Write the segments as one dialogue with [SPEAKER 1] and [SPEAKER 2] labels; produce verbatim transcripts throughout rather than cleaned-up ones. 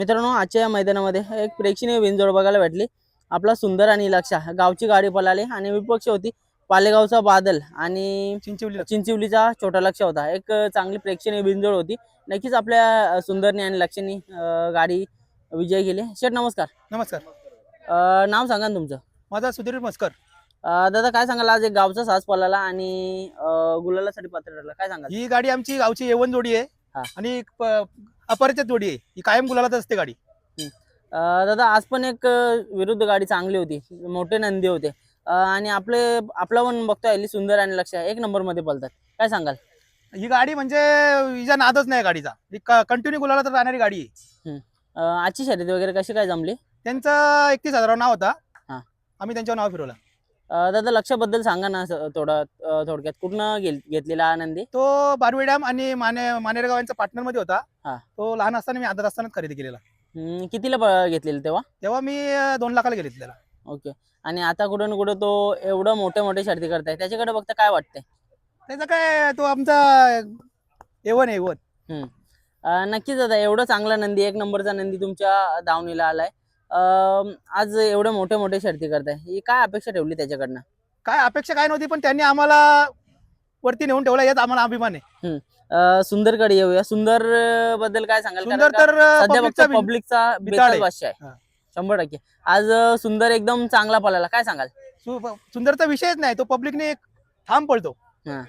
[SPEAKER 1] मित्रांनो, आजच्या या मैदानामध्ये एक प्रेक्षणीय बिनजोड बघायला भेटली. आपला सुंदर आणि लक्षा गावची गाडी पळाली आणि विपक्ष होती पालेगावचा बादल आणि
[SPEAKER 2] चिंचवली
[SPEAKER 1] चिंचिवलीचा छोटा लक्ष होता. एक चांगली प्रेक्षणीय बिनजोड होती. नक्कीच आपल्या अ, सुंदरने आणि लक्षाने अ, गाडी विजय केली. शेठ नमस्कार.
[SPEAKER 2] नमस्कार.
[SPEAKER 1] अ, नाव सांगा ना तुमचं.
[SPEAKER 2] माझा सुधीर मस्कर.
[SPEAKER 1] अ, दादा काय सांगाल, आज एक गावचा साज पळाला आणि अ, गुलालासाठी पात्र ठरला, काय सांगाल?
[SPEAKER 2] ही गाडी आमची गावची येवन जोडी आहे
[SPEAKER 1] हा.
[SPEAKER 2] आणि एक प- अपरिचित जोडी आहे. ही कायम गुलालात असते गाडी.
[SPEAKER 1] अ, दादा आज पण एक अ, विरुद्ध गाडी चांगली होती, मोठे नंदी होते अ, आणि आपले आपला पण बघतोय हल्ली सुंदर आणि लक्ष एक नंबर मध्ये पळतात, काय सांगाल?
[SPEAKER 2] ही गाडी म्हणजे हिचा नादच नाही गाडीचा. ही कंटिन्यू गुलालात राहणारी गाडी आहे.
[SPEAKER 1] हम्म. अ, आजची शर्यत वगैरे कशी काय जमली?
[SPEAKER 2] त्यांचं एकतीस हजार नाव होता.
[SPEAKER 1] हा.
[SPEAKER 2] आम्ही त्यांच्यावर नाव फिरवलं.
[SPEAKER 1] अ, दादा लक्षाबद्दल सांगा ना स- थोडं अ, थोडक्यात कुठनं घेल घेतलेला हा नंदी?
[SPEAKER 2] तो बारवी डॅम आणि माने मानेरगाव यांचा पार्टनर मध्ये होता.
[SPEAKER 1] हा.
[SPEAKER 2] तो लहान असताना मी आदर असतानाच खरेदी केलेला.
[SPEAKER 1] हम्म, कितीला प- घेतलेलं तेव्हा?
[SPEAKER 2] तेव्हा मी अं, दोन लाखाला गेले त्याला.
[SPEAKER 1] ओके. आणि आता कुठं ना कुठं तो एवढं मोठे मोठे शर्ती करताय, त्याच्याकडे बघता काय वाटतंय?
[SPEAKER 2] त्याचा काय तो आमचा एवन आहे एवन.
[SPEAKER 1] हम्म. अ, नक्कीच दादा, एवढं चांगला नंदी, एक नंबरचा नंदी तुमच्या दावणीला आलाय. अ, आज एवढे मोठे मोठे शर्ती करताय, ही काय अपेक्षा ठेवली त्याच्याकडनं?
[SPEAKER 2] काय अपेक्षा काय नव्हती, पण त्यांनी आम्हाला वरती नेऊन ठेवला यात आम्हाला अभिमान आहे.
[SPEAKER 1] अ, सुंदरकडे येऊया. सुंदर अ, बद्दल काय सांगाल? कारण
[SPEAKER 2] सुंदर
[SPEAKER 1] का
[SPEAKER 2] तर अं,
[SPEAKER 1] सध्या
[SPEAKER 2] public चा
[SPEAKER 1] फक्त
[SPEAKER 2] बिन-
[SPEAKER 1] पब्लिकचा
[SPEAKER 2] बिताड
[SPEAKER 1] बेताल
[SPEAKER 2] आहे.
[SPEAKER 1] भाष्य आहे.
[SPEAKER 2] हा.
[SPEAKER 1] शंभर टक्के आज अ, सुंदर एकदम चांगला पळाला, काय सांगाल?
[SPEAKER 2] सु- सुंदरचा विषयच नाही. तो पब्लिकने एक ठाम पळतो.
[SPEAKER 1] हा.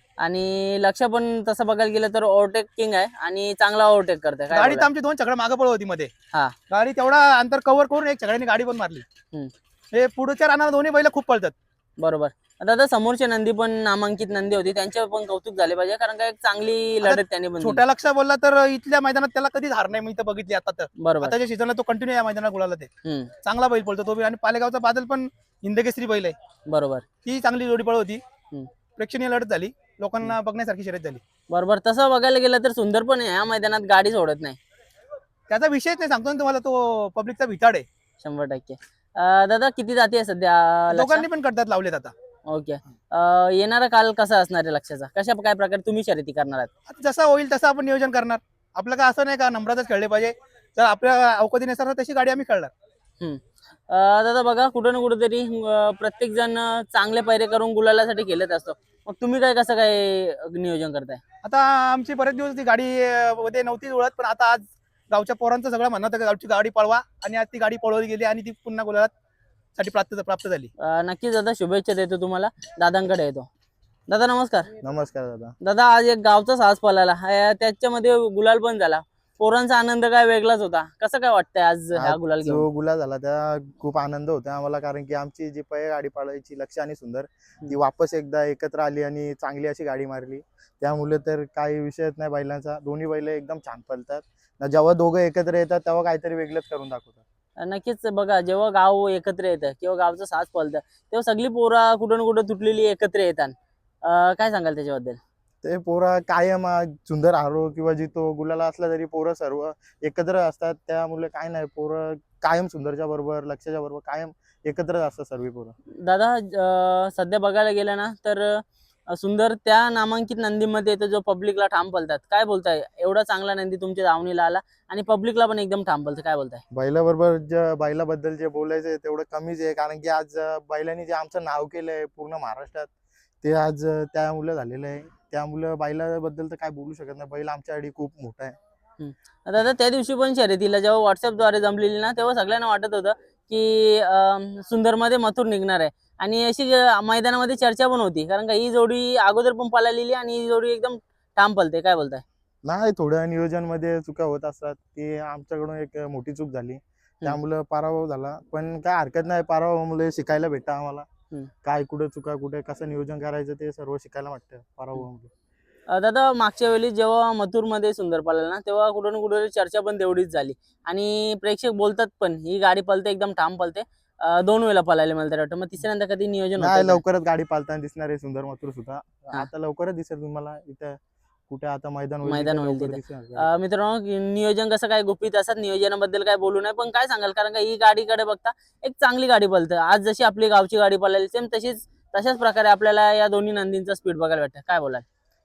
[SPEAKER 1] आणि लक्ष पण तसं बघायला गेलं तर ओव्हरटेक किंग आहे आणि चांगला ओव्हरटेक करते, काय
[SPEAKER 2] गाडी तर
[SPEAKER 1] बोलाल?
[SPEAKER 2] आमची दोन छकडे मागे पळत होती मध्ये.
[SPEAKER 1] हा.
[SPEAKER 2] गाडी तेवढा अंतर कव्हर करून एक छकड्याने गाडी पण मारली.
[SPEAKER 1] हम्म.
[SPEAKER 2] हे पुढच्या रानाला दोन्ही बैल खूप पळतात.
[SPEAKER 1] बरोबर. दादा समोरचे नंदी पण नामांकित नंदी होती, त्यांचे पण कौतुक झाले पाहिजे, कारण का एक चांगली
[SPEAKER 2] आता
[SPEAKER 1] लढत त्यांनी पण दिली.
[SPEAKER 2] छोट्या लक्ष बोलला तर इथल्या मैदानात त्याला कधीच हार नाही मी इथं बघितली. आता तर
[SPEAKER 1] बरोबर.
[SPEAKER 2] आताच्या सीझनला तो कंटिन्यू या मैदानात गुलाला ते
[SPEAKER 1] हम्म.
[SPEAKER 2] चांगला बैल पळतो तो बी. आणि पालेगावचा बादल पण हिंदकेसरी बैल आहे.
[SPEAKER 1] बरोबर.
[SPEAKER 2] ती चांगली जोडी पळ होती.
[SPEAKER 1] हम्म.
[SPEAKER 2] प्रेक्षणीय लढत झाली. लोकांना बघण्यासारखी शर्यत झाली.
[SPEAKER 1] बरोबर. तसं बघायला गेलं तर सुंदर पण या मैदानात गाडी सोडत नाही.
[SPEAKER 2] त्याचा विषयच नाही, सांगतो ना तुम्हाला. तो पब्लिकचा भिताड आहे.
[SPEAKER 1] शंभर टक्के. अं, दादा किती जाती आहे सध्या लक्ष?
[SPEAKER 2] दोघांनी पण करतात लावलेत आता.
[SPEAKER 1] ओके. अं, येणारा काल कसा असणार आहे लक्षाचा? कशा काय प्रकारे तुम्ही शर्यती करणार आहात?
[SPEAKER 2] आता जसा होईल तसं आपण नियोजन करणार. आपलं काय असं नाही का नंबरातच खेळले पाहिजे. जर आपल्या अवकाशी नसणार तशी गाडी आम्ही खेळणार.
[SPEAKER 1] हम्म. अं, दादा बघा, कुठं ना कुठेतरी प्रत्येक जण चांगले पैरे करून गुलालासाठी खेळत असतो, मग तुम्ही काय कसं काय नियोजन करताय?
[SPEAKER 2] आता आमची बरेच दिवस ती गाडी अं, मध्ये नव्हती जुळत, पण आता आज गावच्या पोरांचं सगळं म्हणणं होतं की गावची गाडी पळवा, आणि आज ती गाडी पळवली गेली आणि ती पुन्हा गुलालात साठी प्राप्त प्राप्त झाली.
[SPEAKER 1] अं, नक्कीच दादा, शुभेच्छा देतो तुम्हाला. दादांकडे येतो. दादा नमस्कार.
[SPEAKER 3] नमस्कार दादा.
[SPEAKER 1] दादा आज एक गावचा साज पळाला, हा- त्याच्यामध्ये गुलाल पण झाला. पोरांचा आनंद काय वेगळाच होता. कसं काय वाटतंय आज ह्या
[SPEAKER 3] आज
[SPEAKER 1] गुलाल घेऊन?
[SPEAKER 3] जो गुलाल झाला त्या खूप आनंद होता आम्हाला, कारण की आमची जी पै गाडी पाळायची लक्ष आणि सुंदर ती वापस एकदा एकत्र आली आणि चांगली अशी गाडी मारली. त्यामुळे तर काही विषयच नाही बैलांचा. दोन्ही बैल एकदम छान पळतात. न जेव्हा दोघं एकत्र येतात तेव्हा काहीतरी वेगळंच करून दाखवतात.
[SPEAKER 1] नक्कीच बघा, जेव्हा गाव एकत्र येतं किंवा गावचं साज पळतं, तेव्हा सगळी पोरा कुठं ना कुठं तुटलेली एकत्र येतात. अं, काय सांगाल त्याच्याबद्दल?
[SPEAKER 3] ते पोरं कायम आ, सुंदर हारो किंवा जितो गुलाला असला तरी पोरं सर्व एकत्र असतात. त्यामुळे काय नाही, पोरं कायम सुंदरच्या बरोबर लक्षाच्या बरोबर कायम एकत्रच असतात सर्व पोरं.
[SPEAKER 1] दादा अं, सध्या बघायला गेलं ना तर अं, सुंदर त्या नामांकित नंदीमध्ये येतो जो पब्लिकला ठाम पळतात, काय बोलताय? एवढा चांगला नंदी तुमच्या दावणीला आला आणि पब्लिकला पण एकदम ठाम पळतं, काय बोलताय?
[SPEAKER 3] बैलाबरोबर जे बैलाबद्दल जे बोलायचं आहे तेवढं कमीच आहे, कारण की आज अं, बैलांनी जे आमचं नाव केलंय पूर्ण महाराष्ट्रात ते आज अं, त्यामुळे झालेलं आहे. त्यामुळे बैलाबद्दल तर काय बोलू शकत नाही. बैल आमच्यासाठी खूप मोठा आहे.
[SPEAKER 1] दादा त्या दिवशी पण शर्यतीला जेव्हा व्हॉट्सअपद्वारे जमलेली ना, तेव्हा सगळ्यांना वाटत होतं की अं, सुंदरमध्ये मथुर निघणार आहे आणि अशी अं, मैदानामध्ये चर्चा पण होती, कारण का ही जोडी अगोदर पण पळालेली आणि ही जोडी एकदम ठाम पळते, काय बोलताय?
[SPEAKER 3] नाही, थोड्या नियोजन मध्ये चुका होत असतात. ती आमच्याकडून एक मोठी चूक झाली, त्यामुळे पराभव झाला. पण काय हरकत नाही, पराभवामुळे शिकायला भेटतं आम्हाला.
[SPEAKER 1] हम्म.
[SPEAKER 3] काय कुठे चुका कुठे कसं नियोजन करायचं ते सर्व शिकायला वाटतं पराभवामुळे.
[SPEAKER 1] अं, दादा मागच्या वेळी जेव्हा मथुरमध्ये सुंदर पळाला ना, तेव्हा कुठं ना कुठं चर्चा पण तेवढीच झाली आणि प्रेक्षक बोलतात पण ही गाडी पळते एकदम ठाम पळते. अं, दोन वेळेला पळाले मला तर वाटतं, मग तिसऱ्यांदा कधी नियोजन
[SPEAKER 3] नाही,
[SPEAKER 1] होतं का?
[SPEAKER 3] लवकरच गाडी पालताना दिसणार आहे सुंदर मथुर सुद्धा. आता लवकरच दिसेल तुम्हाला इथं. कुठे आता मैदान होईल
[SPEAKER 1] मैदान
[SPEAKER 3] तिथे
[SPEAKER 1] होईल
[SPEAKER 3] लवकर
[SPEAKER 1] तिथे.
[SPEAKER 3] दिसेल गाडी.
[SPEAKER 1] अं, मित्रांनो, नियोजन कसं काय गुपित असतात, नियोजनाबद्दल काय बोलू नये, पण काय सांगाल, कारण का ही गाडीकडे बघता एक चांगली गाडी पळतं. आज जशी आपली गावची गाडी पळाली सेम तशीच तशाच प्रकारे आपल्याला या दोन्ही नंदींचा स्पीड बघायला भेटतं, काय बोलाल?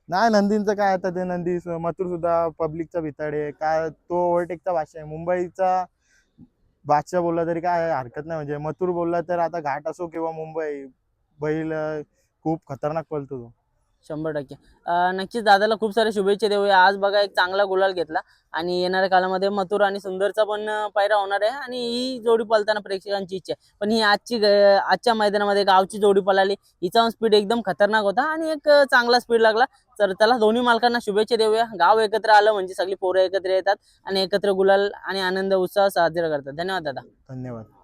[SPEAKER 3] नाही नंदींचं काय आता ते नंदी स- मथुर सुद्धा पब्लिकचा भिताडे आहे. काय तो ओव्हरटेकचा बादशाह आहे मुंबईचा बादशाह बोलला तरी काय हरकत नाही. म्हणजे मथुर बोलला तर आता घाट असो किंवा मुंबई बैल अं, खूप खतरनाक पळतो तो.
[SPEAKER 1] शंभर टक्के अं, नक्कीच दादाला खूप सारे शुभेच्छा देऊया. आज बघा एक चांगला गुलाल घेतला आणि येणाऱ्या काळामध्ये मथुर आणि सुंदरचा पण अं, पायरा होणार आहे आणि ही जोडी पळताना प्रेक्षकांची इच्छा आहे. पण ही आजची ग- आजच्या मैदानामध्ये गावची जोडी पळाली, हिचा स्पीड एकदम खतरनाक होता आणि एक अं, चांगला स्पीड लागला. तर त्याला दोन्ही मालकांना शुभेच्छा देऊया. गाव एकत्र आलं म्हणजे सगळी पोरं एकत्र येतात आणि एकत्र गुलाल आणि आनंद उत्साह साजरा करतात. धन्यवाद दादा.
[SPEAKER 3] धन्यवाद.